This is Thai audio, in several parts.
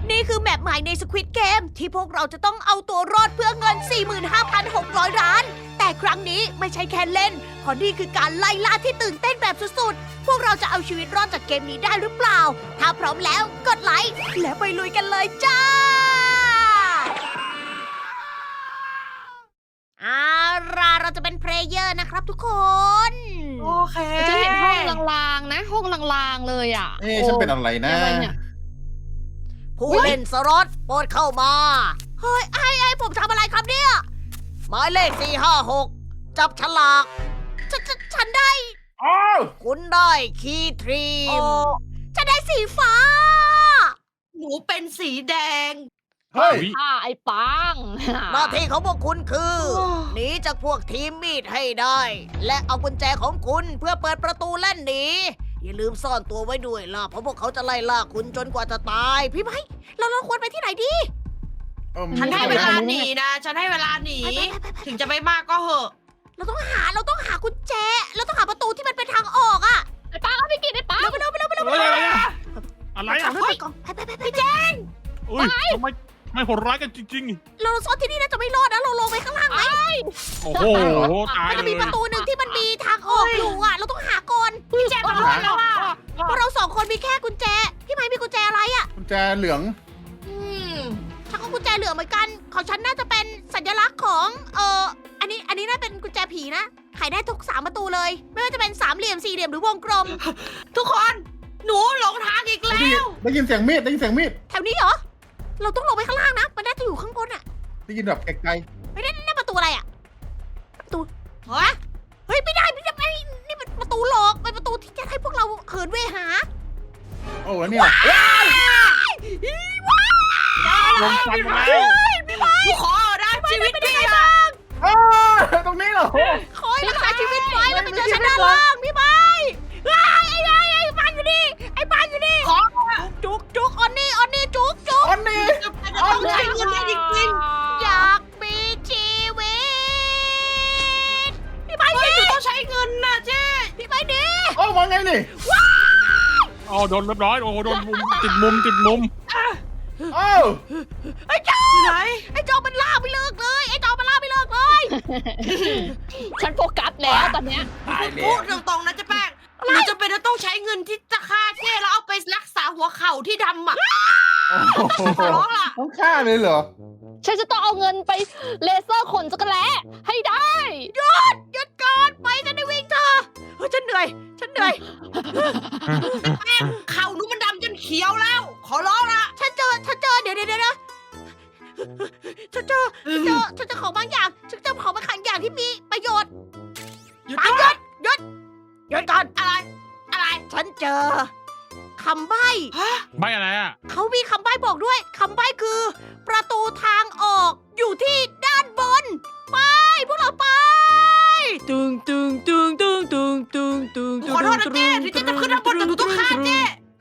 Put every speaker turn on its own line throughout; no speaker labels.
นี่คือแมปใหม่ใน Squid Game ที่พวกเราจะต้องเอาตัวรอดเพื่อเงิน 45,600 ล้าน แต่ครั้งนี้ไม่ใช่แค่เล่นเพราะนี่คือการไล่ล่าที่ตื่นเต้นแบบสุดๆ พวกเราจะเอาชีวิตรอดจากเกมนี้ได้หรือเปล่า ถ้าพร้อมแล้วกดไลค์และไปลุยกันเลยจ้าเราจะเป็นเพลเยอร์นะครับทุกคน
โอเค
ฉันเห็นห้องลางๆนะ ห้องลางๆเลยอ่ะ
ฉันเป็นอะไรนะ
อะไรเนี่ย
ผู้เล่นสล็อตโปรดเข้ามา เฮ้ยไอ้ผมทำอะไรครับเนี่ย หมายเลข 456 จับฉลากฉันได้
อ้าว
คุณได้คีย์ทรีมฉันได้สีฟ้า
หนูเป็นสีแดง
เฮ้ย
ไอ้ปัง
หน้าที่ของพวกคุณคือ
โอ้
หนีจากพวกทีมมีดให้ได้ และเอากุญแจของคุณเพื่อเปิดประตูและหนีอย่าลืมซ่อนตัวไว้ด้วยล่ะเพราะพวกเขาจะไล่ล่าคุณจนกว่าจะตาย พี่ไม้เราควรไปที่ไหนดี
ฉันให้เวลาหนีนะ ฉันให้เวลาหนี
ไป
ถึงจะไม่มากก็เหอะ
เราต้องหากุญแจเราต้องหาประตูที่มันเป็นทางออกอะ
ไอ้ปังเอาไปกินไอ้ปัง
เร็วไปเร็วไปเร็วไปเร็ว
อะไรอะอะไร
ไป
อะ
ก่อนไปก่อนไปเจ
อุ้ยทำไมไม่โหดร้ายกันจริง
เราซ่อนที่นี่น่าจะไม่รอดนะเราลงไปข้างล่างไหม
ๆ โอ้โห ตาย
มัน
เล
จะ
ย
มีประตูหนึ่งที่มันมีทางออกอยู่อะเราต้องหาก่อน
พี่แจ๊คมาด้วยแล้วอ่ะ
เพราะเราสองคนมีแค่กุญแจพี่ไม้มีกุญแจอะไรอะ
กุญแจเหลือง
ฉันก็กุญแจเหลืองเหมือนกันของฉันน่าจะเป็นสัญลักษณ์ของอันนี้น่าเป็นกุญแจผีนะไขได้ทุก3ประตูเลย ไม่ว่าจะเป็นสามเหลี่ยมสี่เหลี่ยมหรือวงกลม
ทุกคน หนูหลงทางอีกแล้ว
ได้ยินเสียงมีด ได้ยินเสียงมีด
แถวนี้เหรอเราต้องลงไปข้างล่างนะมันน่าจะอยู่ข้างบนอะ
ได้ยินแบบไกล
ไม่ได้นั่นประตูอะไรอะประตู
ฮะ
เฮ้ยไม่ได้นี่เป็นประตูหลอกเป็นประตูที่จะให้พวกเราเขินเวหา
ๆ โอ้แล้วเนี่ย
ลงฟันแล้ว
หนูขอนะชีวิตดีอ่ะ
อ้าตรงนี้เหรอ
ขอให้รักษาชีวิตไว้แล้วไปเจอฉันด้านล่างพี่ไม้ไอ้ปานอยู่นี่ไอ้ปานอยู่นี่
ขอ
จุกออนนี่จุก
อันนี้
จะต้องใช้เงินได้จริง
อยากมีชีวิตพี่ไม้
ๆเฮ้ย
ดิ
หนูต้องใช้เงินนะเจ๊
พี่ไม้ดิ
โอ้มาไงนี่
อ๋อโดนเรียบร้อย โอ้โหโดนมุมติดมุม
อ้าว
ไอ้จอ
อยู่ไหน
ไอ้จอมันล่าไม่เลิกเลยไอ้จอมันล่าไม่เลิกเลย
ฉันโฟกัสแล้วตอนเนี้ย
ตายแล้
พู
ว
ดตรงๆนะเจ๊แป้งหนูจะเป็นต้องใช้เงินที่จะฆ่าเจ๊แล้วเอาไปรักษาหัวเข่าที่ดำอ่ะ
โอ้โห
ขอร้องล่ะ
ต้องฆ่าเลยเหรอ
ฉันจะต้องเอาเงินไปเลเซอร์ขนจักรแล้ให้ได้
หยุดก่อนไปฉันได้วิ่งเธอเฮ้ยฉันเหนื่อย
เข่าหนูมันดำจนเขียวแล้ว ขอร้องละ
ฉันเจอเดี๋ยวนะฉันเจอของบางอย่างฉันเจอของบางอย่างที่มีประโยชน์
หยุด
ปา
นะ
หยุดก่อน
อะไร
ฉันเจอคำใบ้
ฮะ
ไม่อะไรอะ
เขามีคำใบ้บอกด้วยคำใบ้คือ ประตูทางออกอยู่ที่ด้านบน ไปพวกเราไปตึง
ขอโทษนะเจ๊ถึงเจ๊จะขึ้นทางบนแต่หนูต้องฆ่าเจ๊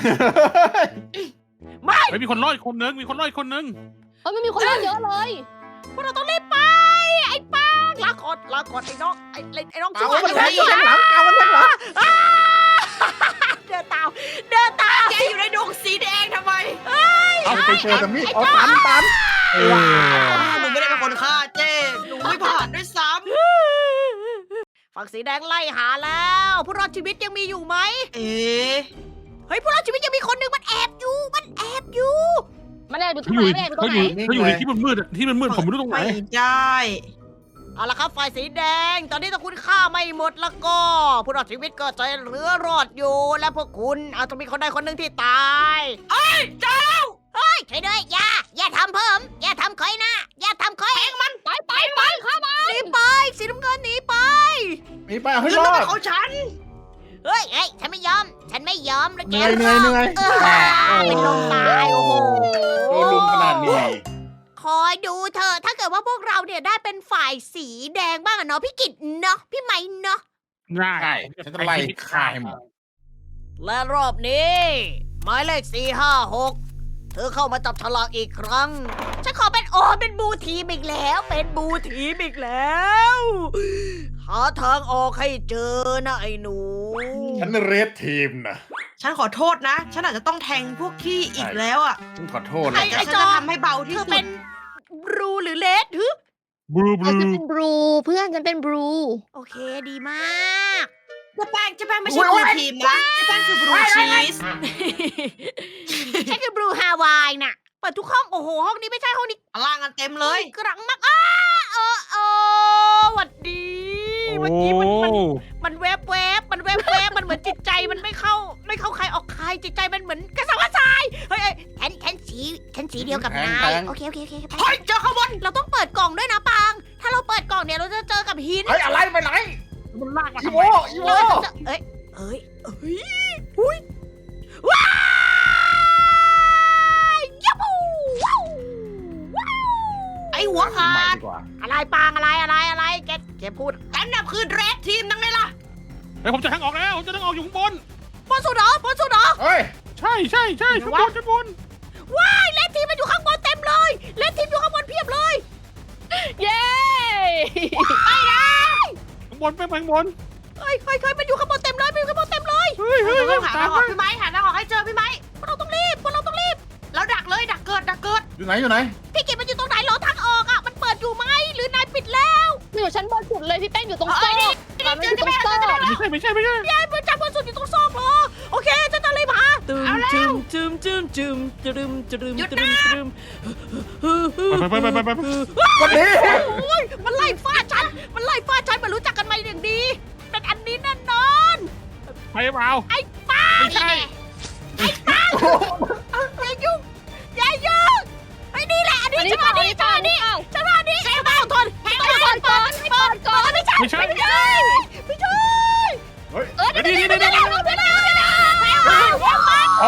ไม่
เฮ้ยมีคนรอดอีกคนนึง
เฮ้ยไม่มีคนเล่นเยอะเลย
พวกเราต้องรีบไปไอ้ปังลาก่อนไอ้น้องไอ้น้อง
เอา
ชั่ว
มันแทงหลังเอามันแทงหลัง
เดินตาม
เจ๊อยู่ในดงสีแดงทำไม
เอาไปเจอแต่มีดเอาตัน
หนูไม่ได้เป็นคนฆ่าเจ๊หนูไม่ผ่านด้วยซ้
ฝั่งสีแดงไล่หาแล้วผู้รอดชีวิตยังมีอยู่ไหม
ำเอ๊ะ
เฮ้ยผู้รอดชีวิตยังมีคนหนึ่งมันแอบอยู่
มันแอบอยู่ตร
เขา
ง
อ
ไหน
ยู่
มันแอบอยู่ตรงไหน
เขาอยู่ในที่มืดๆอะที่มืดผมไม่รู้ตรงไหน
ไม่ได้
เอาละครับฝ่ายสีแดง ตอนนี้ถ้าคุณฆ่าไม่หมดแล้วก็ ผู้รอดชีวิตก็จะเหลือรอดอยู่ และพวกคุณอาจจะมีคนใดคนหนึ่งที่ตายเฮ้ยเจ้าเฮ้ยช่วยด้วยอย่าทำเพิ่มอย่าทำคอยนะอย่าทำคอย
ไปเข้ามา
หนีไปสีน้ำเงินหนีไป
มีไปเอาให้
เงิน
ร
ต้
อ
องเป็
ด
นของฉัน
เฮ้ยฉันไม่ยอมแล้วแก
เหนื่อย
เป็นลมตายโอ้โห
โดนลุมขนาดนี้
คอยดูเถอะถ้าเกิดว่าพวกเราเนี่ยได้เป็นฝ่ายสีแดงบ้างอะเนาะพี่กิตเนาะพี่ไม้เนาะ
ง่าย
ใช่ฉันจะไล่ฆ่าให้หมด
และรอบนี้หมายเลข456เธอเข้ามาจับฉลากอีกครั้ง ฉันขอเป็นบูทีมอีกแล้ว เป็นบูทีมอีกแล้วหาทางออกให้เจอนะไอ้หนู
ฉันเรดทีมนะ
ฉันขอโทษนะ ฉันอาจจะต้องแทงพวกที่อีกแล้วอ่ะ
ฉันขอโทษ
แต่
นะ
ฉันจะทำให้เบาที่
เธอ
สุ
เป็
ด
นบลูหรือเลดฮึ
บลูบ
ฉั
ลู
นจะเป็นบลูเพื่อนฉันเป็นบลู
โอเคดีมาก
เจ๊แป้งไม่ใช่บลูทีมนะเจ๊แป้งคือบลูชีส
ฉันคือบลูฮาวายน่ะ เปิดทุกห้อง โอ้โห ห้องนี้ไม่ใช่ห้องนี้
ล่างกันเต็มเลย
กรังมากหวัดดีเมื่อ
โอ้
กี้มันแวบมันแวบมันเหมือนจิตใจมันไม่เข้าใครออกใครจิตใจมันเหมือนกระสับกระส่ายเฮ้ยฉันสีเดียวกับนายโอเคไป
เฮ้ยเจอข้างบน
เราต้องเปิดกล่องด้วยนะปัง ถ้าเราเปิดกล่องเนี่ยเราจะเจอกับหิน
เฮ้ยอะไรไปไหน
มันลากมา
อี
ทำ
โว
ไม
อีโว
เราจะอุ้ยว้ายยับปูว้าว
ไอหัวขาด
ดีกว่า
อะไรปังอะไรแกพูด
ฉันน่ะคือเรดทีมนั่งไงล่ะ
เฮ้ยผมจะทางออกแล้วผมจะทางออกอยู่ข้างบน
บนสุดเหรอ
เฮ้ย
ใช่ข้างบนข้างบน
ว้ายเลนทีมมันอยู่ข้างบนเต็มเลยเลนทีมอยู่ข้างบนเพียบเลย
เย้
ข้างบนไปข้างบน
เฮ้ยมันอยู่ข้างบนเต็มเลย
เฮ้ย
เรา
ตา
ต้องหาม ทางออก
เลย
พี่ไม้หาทางออกให้เจอพี่ไม้
พวกเราต้องรีบ
แล้วดักเลยดักเกิด
อยู่ไหน
พี่กิตมันอยู่ตรงไหนรอทางออกอ่ะ มันเปิดอยู่ไหมหรือนายปิดแล้ว
อยู่ชั้นบนสุดเลยพี่แป้งอยู่ตรง
เอ้
โซ่
ยนี่
มันอยู่ตรงโซ่
ไม่ใช่
พี่ไอ้เพื่อนจับบนสุดอยู่ตรงซอกเหรอโอเคจะรีบหาตึมจึม
ไป
วันนี้
โอ้ยมันไล่ฟาดฉันมันรู้จักกันมาอย่างดี เป็นอันนี้แน่นอน
ไปเปล่า
ไอ้ป้า
ไม่ใช่
อย่ายุ่งไอ้นี่แหละอันนี้จังหวะนี้ไอ้บ้าทนไม่ใช่
ไม่ใช่
เฮ้ย
นี่
โอ้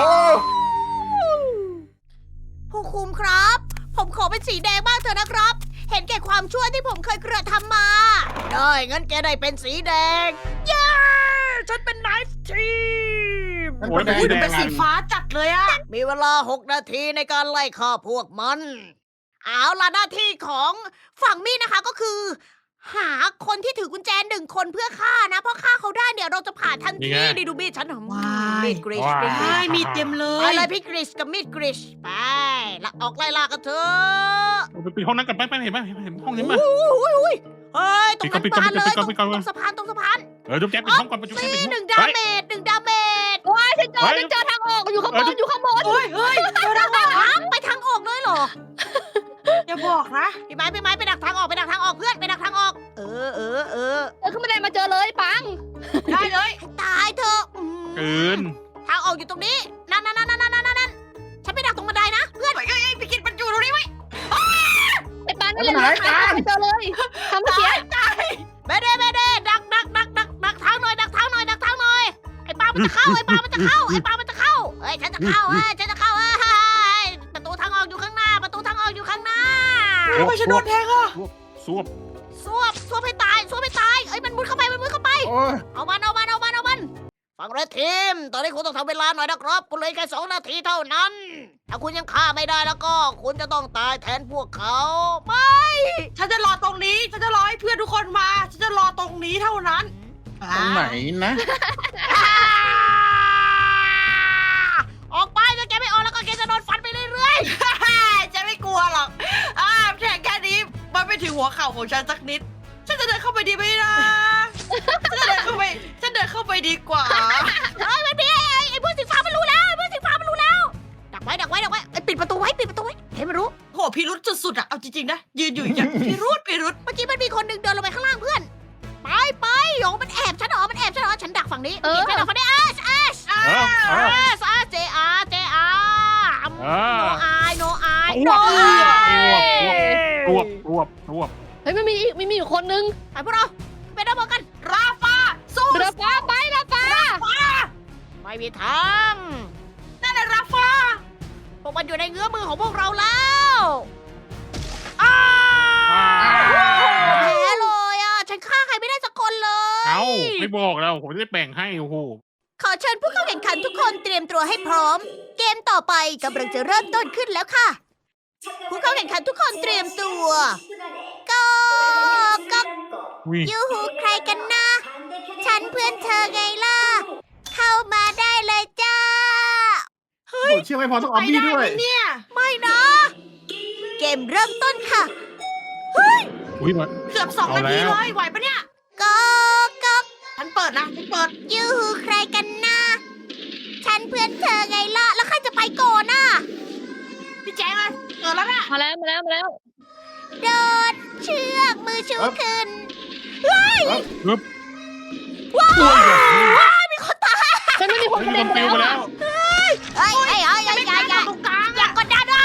ผู้คุมครับ ผมขอเป็นสีแดงบ้างเถอะนะครับ เห็นแก่ความชั่วที่ผมเคยกระทำมา ได้งั้นแกได้เป็นสีแดง เย้ ฉันเป็นไนฟ์ทีม
โอ้ย
อุ้ยเป็นสีฟ้าจัดเลยอะ
มีเวลา 6 นาทีในการไล่ฆ่าพวกมัน เอาล่ะหน้าที่ของฝั่งมี่นะคะก็คือ หาคนที่ถือกุญแจ1 คนเพื่อฆ่านะ เพราะฆ่าเขาได้เนี่ยเราจะผ่านทันทีดีดูมีดฉันมีดกริช
ใช่มีเต็มเล
ไป
ย
เลยพี่กริชกับมีดกริชไปละออกไล่ล่ากันเถอะ
ไปปิดห้องนั้นกันไปเห็นไหมเห็นห้องนี้ไหม
อุ้ยเฮ้ยตรงนั้น
ปิดก่อน
บานเลย
ปิดก่อนปิดก่อน
ตรงสะพานตรงสะพาน
จุ๊บแจ๊บปิดห้องก่อนจุ๊บแจ๊บปิดห้อง
หนึ่งดาเมจ
ว้ายฉันเจอทางออกอยู่ข้างบน
เฮ้ยเจอทางออก
ฮะไปทางออกเลยเหรอ
อย่าบอกนะ
พี่ไม้ไปดักทางออกเพื่อนไปดักทางออก เออ
เดินขึ้นบันไดมาเจอเลยปัง
ได้เลย
ให้ตายเถอะ
เกิน
ทางออกอยู่ตรงนี้นั่นฉันไปดักตรงบันไดนะเพื่อน
เฮ้ยพี่กิตมันอยู่ตรงนี้ไหม
ไอ้ปังนั่นแหละไม่เจอเลยทำเมื่อกี้
เบเด้ดักทางหน่อยไอ้ปลามันจะเข้าเฮ้ยฉันจะเข้าเฮ้ยประตูทางออกอยู่ข้างหน้า
ทำไมฉันโดนแทงอ่ะ
สวบ
สวบให้ตายเอ้ยมันมุดเข้าไป
โอ้ย
เอามันฟังเรดทีม ตอนนี้คุณต้องทำเวลาหน่อยนะครับคุณเหลยแค่2 นาทีเท่านั้น ถ้าคุณยังฆ่าไม่ได้แล้วก็ คุณจะต้องตายแทนพวกเขาไม่
ฉันจะรอตรงนี้ ฉันจะรอให้เพื่อนทุกคนมา ฉันจะรอตรงนี้เท่านั้น
ตรงไหนนะ
ออกไปถ้าแกไม่ออกแล้วก็แกจะโดนฟันไปเรื่อย
จะไม่กลัวหรอกแข่งแค่นี้มันไม่ถึงหัวเข่าของฉันสักนิด ฉันจะเดินเข้าไปดีไหมนะฉันเดินเข้าไปดีกว่า
ๆเฮ้ยไม่มีไอ้พวกสีฟ้ามันรู้แล้วดักไว้ไอ้ปิดประตูไว้ให้มันรู้
โหพิรุษสุดๆอะเอาจริงๆนะ ยืนอยู่อย่างพิรุษ
เมื่อกี้มันมีคนหนึ่งเดินลงไปข้างล่างเพื่อน ไปโยงมันแอบฉันเหรอฉันดักฝั่งนี้ฉันดักฝั่งนี้เจโนอาย
รวบ
เฮ้ยไม่มีอยู่คนนึง
ไปพวกเราไปดับเบิลกัน
ราฟาสู้
เรือฟ้าไปเรือฟ้า
ไม่มีทาง
นั่นแหละราฟา
พวกมันอยู่ในเงื้อมือของพวกเราแล้ว แพ้เลยอ่ะ ฉันฆ่าใครไม่ได้สักคนเลย
เอาไม่บอกแล้วผมจะได้แบ่งให้โอ้โห
ขอเชิญผู้เข้าแข่งขันทุกคนเตรียมตัวให้พร้อม เกมต่อไปกำลังจะเริ่มต้นขึ้นแล้วค่ะ ผู้เข้าแข่งขันทุกคนเตรียมตัวก็ยูหูใครกันนะ ฉันเพื่อนเธอไงล่ะ เข้ามาได้เลยจ้า
ผมเชื่อไม่พอต้องออมบี้ด้วย
ไปไไหมเนี่ย
ไม่นะ เกมเริ่มต้นค่ะ
อุ้ยมา
เกือบ2 นาที
เอาแล้ว
เลยไหวปะเนี่ย
ก็ก็
ฉันเปิดนะฉันเปิด
ยูหูใครกันนะฉันเพื่อนเธอไงล่ะ แล้วใครจะไปก่อนน่ะ
พี่แจ๊คเลยเกิดแล้วน่ะ
มาแล้วมาแล้วมาแล้ว
โดดเชือกมือชู
ครับ
ขึ้น
ปึ๊บ
ว้าว
อุ้ยแบบนี้
ว้าวมีคนตาย
ฉันไม่มีคน
เฮ้ย
กระ
มี
เด็
คน น
ไป
ปิว
แล้ว
ไปแล้ว
เฮ้ยเฮ้ยเฮ้ย
จะไม่
อย่าก
ล้า
อย่า
ตรงกลาง
อย่า
อ่ะ
กดดันอ่ะ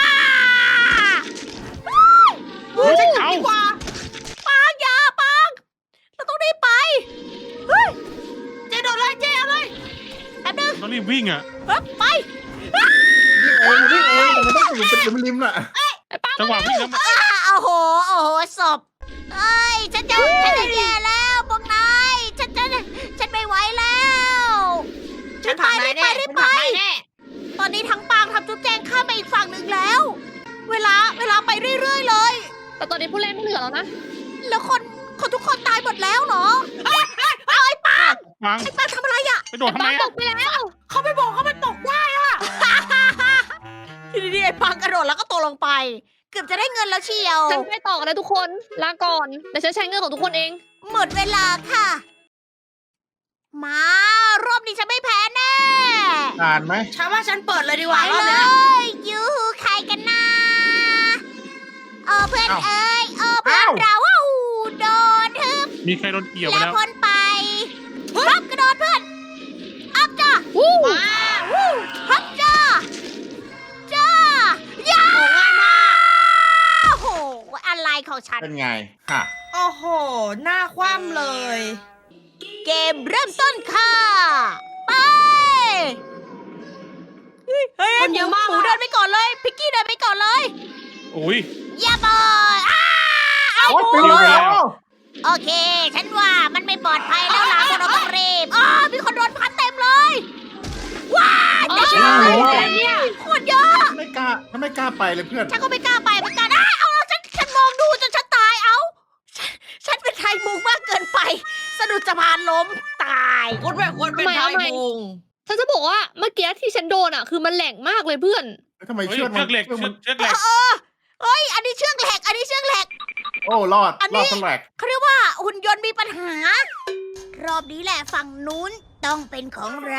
เฮ้ย
ฉัน
เอา
ดีกว่า
ปังอย่าปังเราต้องรีบไปเฮ้ย
เจ๊โดนเลยเจ๊เอาเลย
แป๊บนึง
ต้องรีบวิ่งอ่ะ
เฮ้ยไป
วิ่งเองแต่มันต้องอยู่เป็นริมๆน่ะ
จังหวะวิ่งแล้วมัน
โอ้โหโอ้โหศพเอ้ยฉันจะแย่แล้วพวกนายฉันไม่ไหวแล้ว
ฉันผ่านนายแน่
รี
ฉั
บ
น
ไป
ผ่านนายแน่
ตอนนี้ทั้งปางทำจุ๊บแจงข้ามไปอีกฝั่งหนึ่งแล้ว เวลาไปเรื่อยๆเลย
แต่ตอนนี้ผู้เล่นไม่เหลือแล้วนะ
แล้วคนทุกคนตายหมดแล้วเหรอเอาไอ้ปาง
ฟัง
ไอ้ปางทำอะไรอ่ะ
ไปโดดทำไม
ต
อ่ะ
กไปแล้ว
เขาไม่บอกเขามันตกได้อะ
ทีนี้ไอ้ปางกระโดดแล้วก็ตกลงไป เกือบจะได้เงินแล้วเชียว
ฉันไปต่อกันนะทุกคน ลาก่อนเดี๋ยวฉันใช้เงินของทุกคนเอง
หมดเวลาค่ะ มารอบนี้ฉันไม่แพ้แน่
อ่านไหม
ฉันว่าฉันเปิดเลยดีก
ไป
ว่ารอบ
เล
เนี้ย
ยยูหูใครกันนะเพื่อน
เอ้า
เอ้ยเพื่อนเราว้าวโดนทึบ
มีใครโดนเกี่ยวไป
แล้ว
แล้ว
พ้นไปฮับกระโดดเพื่อนอัพจ้า
วู้
มา
วู้ฮับจ้าจ้าย่า
โอ้ง่ายมาก
โอ้โหอะไรของฉัน
เป็นไงค่ะ
โอ้โห หน้าคว่ำเลย
เกมเริ่มต้นค่ะ ไปเฮ้ย
คนเยอะมาก
หมูเดินไปก่อนเลย พิกกี้เดินไปก่อนเลย
อุ้ย
อย่าบอยเอา
โอ๊ย
หมู
ปิวเลยเหรอ
โอเค ฉันว่ามันไม่ปลอดภัยแล้วล่ะพวกเราต้องรีบมีคนโดนพัดเต็มเลย ว้าว
อ๋อ
จะ
โอ้
เชื่อ
โห
เนี่ยโคตรเยอะ
ไม่กล้าถ้าไม่กล้าไปเลยเพื่อน
ฉันก็ไม่กล้าไปเหมือนกันเอาฉันมองดูจนฉันตายฉันเป็นไทยมุงมากเกินไป สะดุดสะพานล้มตาย
คนแบบคนเป็นไทยมุง
ฉันจะบอกว่าเมื่อกี้ที่ฉันโดนอ่ะคือมันแหลกมากเลยเพื่อน
ทำไม
เฮ้ย
เชือก
เชือกเหล็ก
มัน
เชือกเหล็ก
เฮ้ย อันนี้เชือกแหลก อันนี้เชือกแหลก
โอ้รอด
อันนี้
รอดสลก
เขาเรียกว่าหุ่นยนต์มีปัญหา รอบนี้แหละฝั่งนู้นต้องเป็นของเรา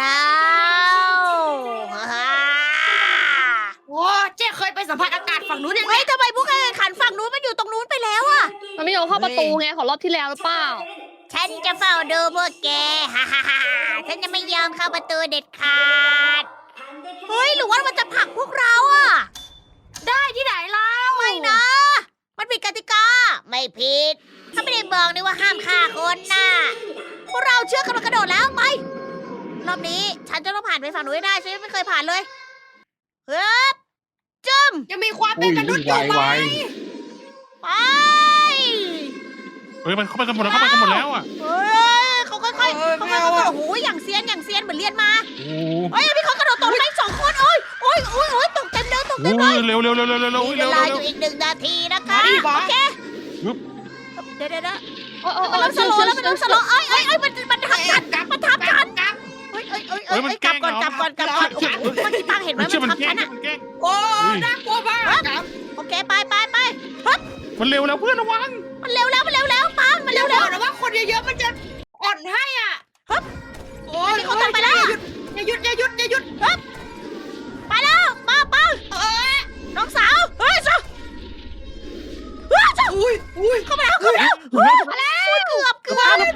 โอ้เจ๊เคยไปสัมผัสอากาศฝั่งนู้นยังไง
เฮ้ยทำไมพวกแข่งขันฝั่งนู้นมันอยู่ตรงนู้นไปแล้วอะ
มันไม่ยอมเข้าประตูไงของรอบที่แล้วหรือเปล่า
ฉันจะเฝ้าดูพวกแก ฮ่าฮ่าฮ่าฉันจะไม่ยอมเข้าประตูเด็ดขาด เฮ้ย หรือว่ามันจะผลักพวกเราอะ
ได้ที่ไหนเล่า
ไม่นะ มันผิดกติกา ไม่ผิด ถ้าไม่ได้บอกนี่ว่าห้ามฆ่าคนน่ะ พวกเราเชื่อกำลังกระโดดแล้วไป รอบนี้ฉันจะต้องผ่านไปฝั่งนู้นให้ได้ ฉันยังไม่เคยผ่านเลยเฮ้ยจึม
ยังมีความเป็นมนุษย์อยู่ไหม
ไป
เฮ้ยมันเข้าไปกันหมดแล้วเข้าไปกันหมดแล้วอ่ะ
เฮ้ยเขาค่อยๆเขาค่อยๆโอ้โหอย่างเซียนเหมือนเรียนมา
โอ้
เฮ้ยมีคนกระโดดตกไปสองคนโอ้ยตกเต็มเลยตก
โห
เต็มเลย
เร็วเร็วเร็วเร็วเร็วเร็ว
มีเว
เร็ว
ลา
เร็
อ
ว
ยู่อีก1 นาทีนะคะ
มาดิบอส
โอเค
ฮึบ
เดี๋ยว
โอ้โอ้
มันเริ่มสโลว์แล้วมันเริ่มสโลว์เอ้ยมันทับกัน
กลับ
มันทับกัน
กลับ
เฮ้ยกลับก่อนโอ้โหเมื่อกี้ปังเห็นไหม
มันเชื่อ
มัน
มัน
ทับ
แกล้
กั
ง
นอะ
มันแกล้ง
โอ้น่ากลัวมากกลับ
โอเคไป
มันเร็วแล้วเพื่อนระวัง
มันเร็วแล้วปังมัน
เร็
เร็
ว
ว
ๆนะว่าคนเยอะๆมันจะอ่อนให้อ่ะโอ้ย
มีคนตกไปแล้ว
อย่าหยุด
ไปแล้วมาปัง
เอ้ย
น้องสาวเฮ้ยจ้า
อุ้ย
เข้ามาแล้วเกือบปัง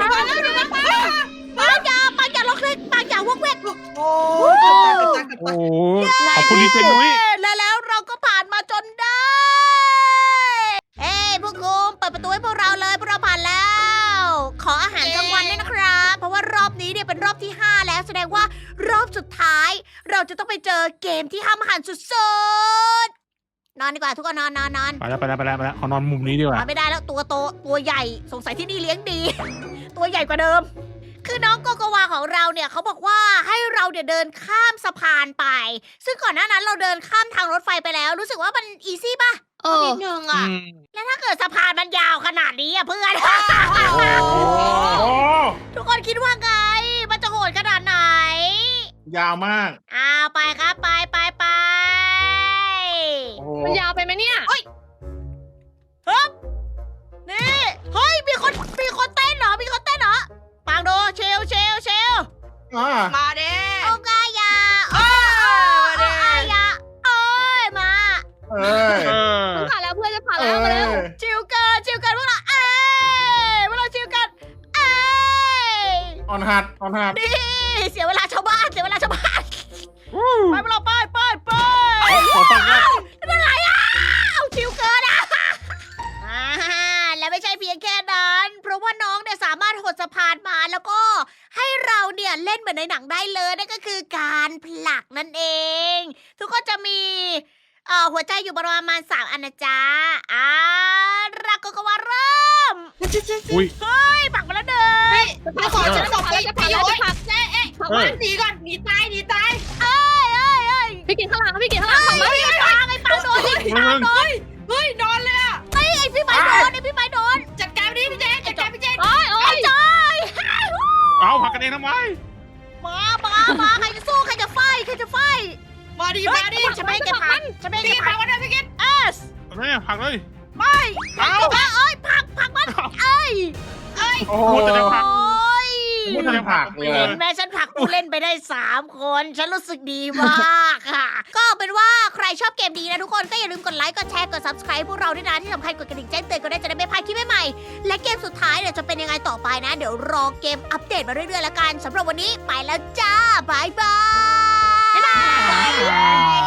อย่าล็อกเลยปังอย่าวอกเวก
โอ้
โอ้ขอบคุณดีเจนุ้ย
แล้วเราก็ผ่านมาจนได้ เฮ้ยพวกคุณเปิดประตูให้พวกเราเลยพวกเราผ่านแล้ว ขออาหารกลางวันด้วยนะครับ เพราะว่ารอบนี้เนี่ยเป็นรอบที่ 5 แล้วแสดงว่ารอบสุดท้าย เราจะต้องไปเจอเกมที่ห้ามหันสุดๆนอนดีกว่าทุกคนนอน
ไปแล้วขอนอนมุมนี้ดีก
น
ว่า
อนไม่ได้แล้วตัวใหญ่สงสัยที่นี่เลี้ยงดี ตัวใหญ่กว่าเดิม คือน้องโกโกวาของเราเนี่ยเขาบอกว่าให้เราเนี่ยเดินข้ามสะพานไป ซึ่งก่อนหน้านั้นเราเดินข้ามทางรถไฟไปแล้ว รู้สึกว่ามันอีซี่ป่ะ
เออ
นิดนึงอ่ะ
แล้วถ้าเกิดสะพานมันยาวขนาดนี้อะเพื่อน
โอ้
ทุกคนคิดว่าไง มันจะโหดขนาดไหน
ยาวมาก
ไปครับไป
มันยาวไปไหมเนี่ย
นี่เฮ้ยมีคนเต้นเหรอปังโดเชล
อ่า
มาเด้
โอกายาโอ
มาเด้
อายาเอ้ยมา
เอ้ย
ต้องผ่านแล้วเพื่อนจะผ่าน
เอ้
แล้วมาแล้ว
ย
ชิวเกินพวกเราพวกเราชิวกัน
ออนหัด
นี่เสียเวลาชาวบ้านไปพวกเราไป
ขอฟังนะ
เป็นไรเอาชิวเกินและไม่ใช่เพียงแค่นั้น เพราะว่าน้องเนี่ยสามารถหดสะพานมาแล้วก็ให้เราเนี่ยเล่นเหมือนในหนังได้เลยนั่นก็คือการผลักนั่นเอง ทุกคนจะมีหัวใจอยู่ประมาณ3อันนะจ๊ะรักก็ว่าเริ่ม
อุ้ย
ผลักมาแล้วเดิน
มาขอฉันบอก
ผ่าน
ไป
แล้วจะ
ไป
ผ่าน
โย
แล้ว
น
จะผ่าน
ผักบ้านหนีก่อนหนีตาย
พี่กินข้างหลังพี่กินข้างหลังผ่านมา
ไอ้ปังโดน
เฮ้ยนอนเลยอ่ะ
ไอ้พี่ไม้โดน
จัดการพี่เจนจัดการพี่เจน
โอ้ย
ไอ้จอย
เอาผักกันเองทำไม
มาใครจะสู้ใครจะไฟ
มาดิ
ฉันไม่ให้แกพันฉันไม่ให้
พี่
แก
พั
พั
ง
น
มาด้วยพี่กิน
แม่ผักเลย
ไม่
เอา
เอ้ยผลักมันเอ้ย
โอ้
พูดแต่จะผัก
โอ้ย
พูดแต่ผักเลย
เห็นไหมฉันผลักผู้เล่นไปได้3 คน ฉันรู้สึกดีมากค่ะ ก็เป็นว่าใครชอบเกมนี้นะทุกคนก็อย่าลืมกดไลค์กดแชร์กด subscribe พวกเราด้วยนะที่สำคัญกดกระดิ่งแจ้งเตือนก็ได้จะได้ไม่พลาดคลิปใหม่ๆและเกมสุดท้ายเนี่ยจะเป็นยังไงต่อไปนะ เดี๋ยวรอเกมอัปเดตมาเรื่อยๆแล้วกันสำหรับวันนี้ไปแล้วจ้าบายบาย
บ๊ายบาย